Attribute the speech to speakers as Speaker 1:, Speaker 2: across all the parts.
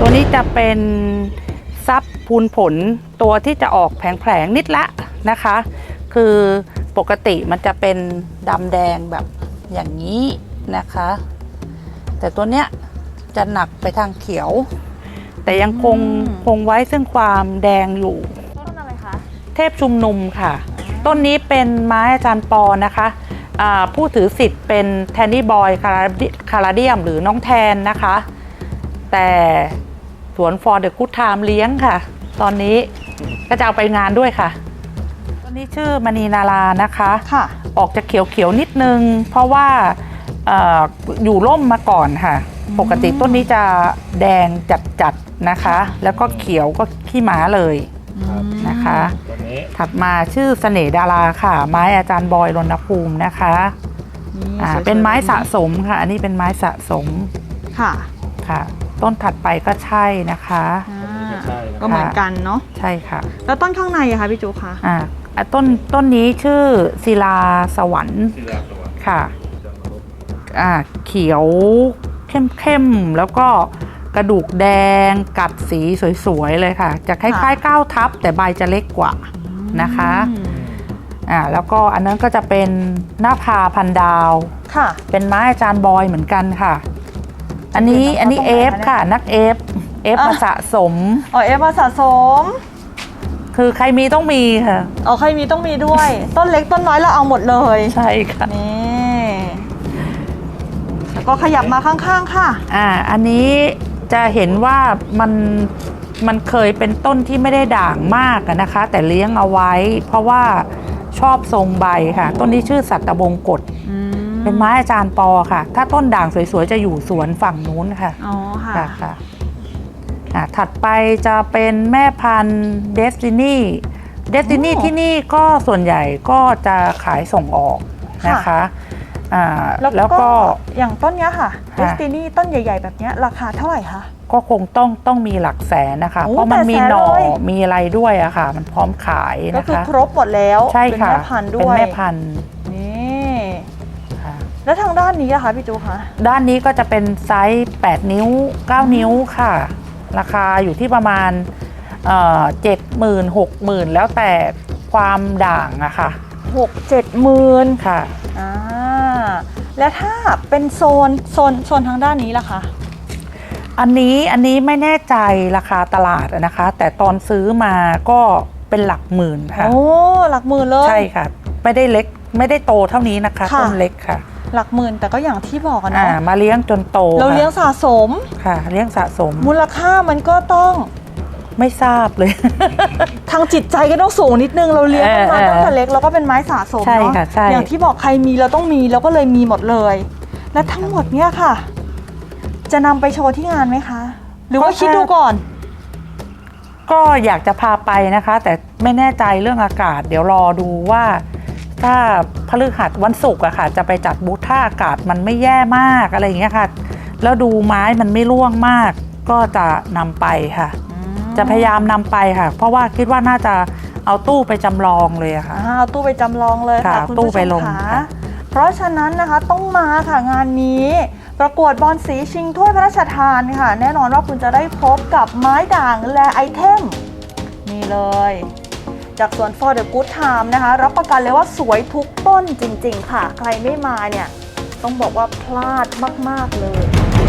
Speaker 1: ตัวนี้จะเป็นซับพูนผลตัวที่จะออกแผลงๆนิดละนะคะคือปกติมันจะเป็นดำแดงแบบอย่างนี้นะคะแต่ตัวเนี้ยจะหนักไปทางเขียวแต่ยังคงไว้ซึ่งความแดงอยู่
Speaker 2: ต้นอะไรคะ
Speaker 1: เทพชุมนุมค่ะต้นนี้เป็นไม้อาจารย์ปอนะคะผู้ถือสิทธิ์เป็นแทนนี่บอยคาราเดียมหรือน้องแทนนะคะแต่สวนฟอร์เดอะกู๊ดไทม์เลี้ยงค่ะตอนนี้ก็จะเอาไปงานด้วยค่ะต้นนี้ชื่อมณีนารานะคะ
Speaker 2: ค่ะ
Speaker 1: ออกจะเขียวๆนิดนึงเพราะว่าอยู่ร่มมาก่อนค่ะปกติต้นนี้จะแดงจัดๆนะคะแล้วก็เขียวก็ขี้ม้าเลยนะคะถัดมาชื่อเสน่ห์ดาราค่ะไม้อาจารย์บอยรณภูมินะคะเป็นไม้สะสมค่ะอันนี้เป็นไม้สะสม
Speaker 2: ค่ะ
Speaker 1: ค่ะต้นถัดไปก็ใช่นะคะ
Speaker 2: ก็เหมือนกันเนาะ
Speaker 1: ใช่ค่ะ
Speaker 2: แล้วต้นข้างในอะคะพี่จูคะ
Speaker 1: ต้นนี้ชื่อศิลาสวรรค์ค่ะเขียวเข้มแล้วก็กระดูกแดงกัดสีสวยๆเลยค่ะจะคล้ายๆก้าวทับแต่ใบจะเล็กกว่านะคะแล้วก็อันนั้นก็จะเป็นหน้าพาพันดาว
Speaker 2: ค่ะ
Speaker 1: เป็นไม้อาจารย์บอยเหมือนกันค่ะอันนี้เอฟค่ะนักเอฟมาสะสม
Speaker 2: เอฟมาสะสม
Speaker 1: คือใครมีต้องมีค่ะ
Speaker 2: ใครมีต้องมีด้วย ต้นเล็กต้นน้อยเราเอาหมดเลย
Speaker 1: ใช่ค่ะ
Speaker 2: นี่แล้วก็ขยับมาข้างๆค่ะ
Speaker 1: อันนี้จะเห็นว่ามันเคยเป็นต้นที่ไม่ได้ด่างมากนะคะแต่เลี้ยงเอาไว้เพราะว่าชอบทรงใบค่ะต้นนี้ชื่อสัตบงกฎเป็นไม้อาจารย์ปอค่ะถ้าต้นด่างสวยๆจะอยู่สวนฝั่งนู้นค่ะ
Speaker 2: อ๋อ
Speaker 1: ค่ะถัดไปจะเป็นแม่พันธุ์เดสตินีที่นี่ก็ส่วนใหญ่ก็จะขายส่งออกนะคะ
Speaker 2: แล้วก็อย่างต้นนี้ค่ะเดสตินีต้นใหญ่ๆแบบนี้ราคาเท่าไหร่คะ
Speaker 1: ก็คงต้องมีหลักแสนนะคะเพราะมันมีหน่อมีอะไรด้วยอะค่ะมันพร้อมขายนะคะ
Speaker 2: ก็คือครบหมดแล้ว
Speaker 1: ใช่ค่ะ
Speaker 2: เป็นแม่พันธุ์ด้วย
Speaker 1: เป็นแม่พันธุ์
Speaker 2: นี่แล้วทางด้านนี้อะคะพี่จูคะ
Speaker 1: ด้านนี้ก็จะเป็นไซส์8 นิ้ว9 นิ้วค่ะราคาอยู่ที่ประมาณ70,000 60,000แล้วแต่ความด่างอะค่ะ
Speaker 2: 6-7 หมื่น
Speaker 1: ค่ะ
Speaker 2: แล้วถ้าเป็นโซนทางด้านนี้ล่ะคะ
Speaker 1: อันนี้ไม่แน่ใจราคาตลาดนะคะแต่ตอนซื้อมาก็เป็นหลักหมื่นค่ะ
Speaker 2: หลักหมื่นเลย
Speaker 1: ใช่ค่ะไม่ได้เล็กไม่ได้โตเท่านี้นะคะต้นเล็กค่ะ
Speaker 2: หลักหมื่นแต่ก็อย่างที่บอกกันนะ
Speaker 1: มาเลี้ยงจนโต
Speaker 2: เราเลี้ยงสะสม
Speaker 1: ค่ะเลี้ยงสะสม
Speaker 2: มูลค่ามันก็ต้อง
Speaker 1: ไม่ทราบเลย
Speaker 2: ทางจิตใจก็ต้องสูงนิดนึงเราเลี้ยงมาตั้งแต่เล็กแล้วก็เป็นไม้สะสมเนาะอย่างที่บอกใครมีเราต้องมีเราก็เลยมีหมดเลยและทั้งหมดเนี้ยค่ะจะนำไปโชว์ที่งานไหมคะหรือว่าคิดดูก่อน
Speaker 1: ก็อยากจะพาไปนะคะแต่ไม่แน่ใจเรื่องอากาศเดี๋ยวรอดูว่าถ้าพฤหัสวันศุกร์อะค่ะจะไปจัดบูธถ้าอากาศมันไม่แย่มากอะไรอย่างเงี้ยค่ะแล้วดูไม้มันไม่ร่วงมากก็จะนำไปค่ะจะพยายามนำไปค่ะเพราะว่าคิดว่าน่าจะเอาตู้ไปจำลองเลยค่ะ
Speaker 2: เอาตู้ไปจำลองเลยค่ะคุณผู้ชมค่ะเพราะฉะนั้นนะคะต้องมาค่ะงานนี้ประกวดบอลสีชิงถ้วยพระราชทานค่ะแน่นอนว่าคุณจะได้พบกับไม้ด่างและไอเทมนี่เลยจากสวน For the Good Time นะคะรับประกันเลยว่าสวยทุกต้นจริงๆค่ะใครไม่มาเนี่ยต้องบอกว่าพลาดมากๆเลย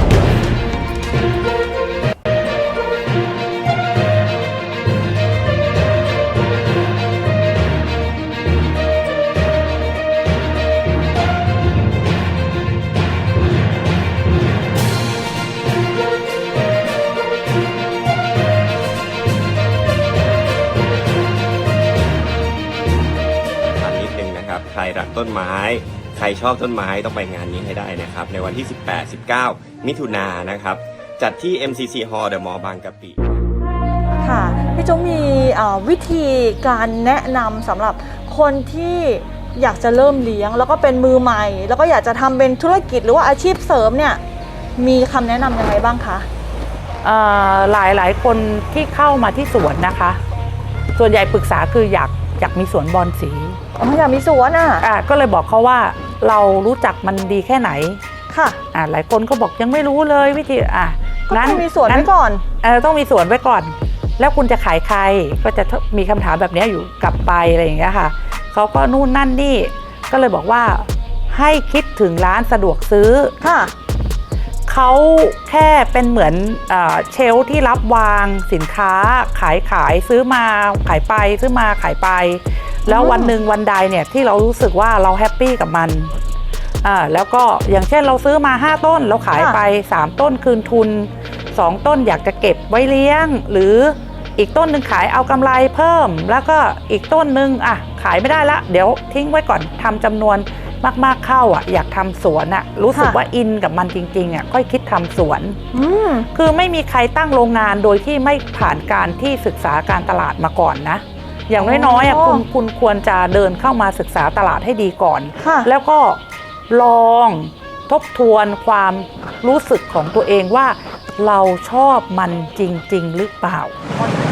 Speaker 3: ใครรักต้นไม้ใครชอบต้นไม้ต้องไปงานนี้ให้ได้นะครับในวันที่ 18-19 มิถุนายนนะครับจัดที่ MCC Hall The Mall บางกะปิ
Speaker 2: ค่ะพี่จุ๊มีวิธีการแนะนำสำหรับคนที่อยากจะเริ่มเลี้ยงแล้วก็เป็นมือใหม่แล้วก็อยากจะทำเป็นธุรกิจหรือว่าอาชีพเสริมเนี่ยมีคำแนะนำยังไงบ้างคะ
Speaker 1: หลายคนที่เข้ามาที่สวนนะคะส่วนใหญ่ปรึกษาคืออยากมีสวนบอลสี
Speaker 2: อยากมีสวน
Speaker 1: ก็เลยบอกเขาว่าเรารู้จักมันดีแค่ไหน
Speaker 2: ค่ะ
Speaker 1: หลายคนก็บอกยังไม่รู้เลยวิธี
Speaker 2: ก็ต้องมีสวนไว้ก่อน
Speaker 1: ต้องมีสวนไว้ก่อน แล้วคุณจะขายใครก็จะมีคำถามแบบนี้อยู่กลับไปอะไรอย่างเงี้ยค่ะเขาก็นู่นนั่นนี่ก็เลยบอกว่าให้คิดถึงร้านสะดวกซื้อ
Speaker 2: ค่ะ
Speaker 1: เขาแค่เป็นเหมือนเชลฟ์ที่รับวางสินค้าขายซื้อมาขายไปซื้อมาขายไปแล้ววันหนึ่งวันใดเนี่ยที่เรารู้สึกว่าเราแฮปปี้กับมันแล้วก็อย่างเช่นเราซื้อมา5ต้นเราขายไป3ต้นคืนทุน2ต้นอยากจะเก็บไว้เลี้ยงหรืออีกต้นหนึ่งขายเอากำไรเพิ่มแล้วก็อีกต้นหนึ่งขายไม่ได้ละเดี๋ยวทิ้งไว้ก่อนทำจำนวนมากๆเข้าอยากทำสวนรู้สึกว่าอินกับมันจริงๆค่อยคิดทำสวนคือไม่มีใครตั้งโรงงานโดยที่ไม่ผ่านการที่ศึกษาการตลาดมาก่อนนะอย่างน้อยๆคุณควรจะเดินเข้ามาศึกษาตลาดให้ดีก่อนแล้วก็ลองทบทวนความรู้สึกของตัวเองว่าเราชอบมันจริงๆหรือเปล่า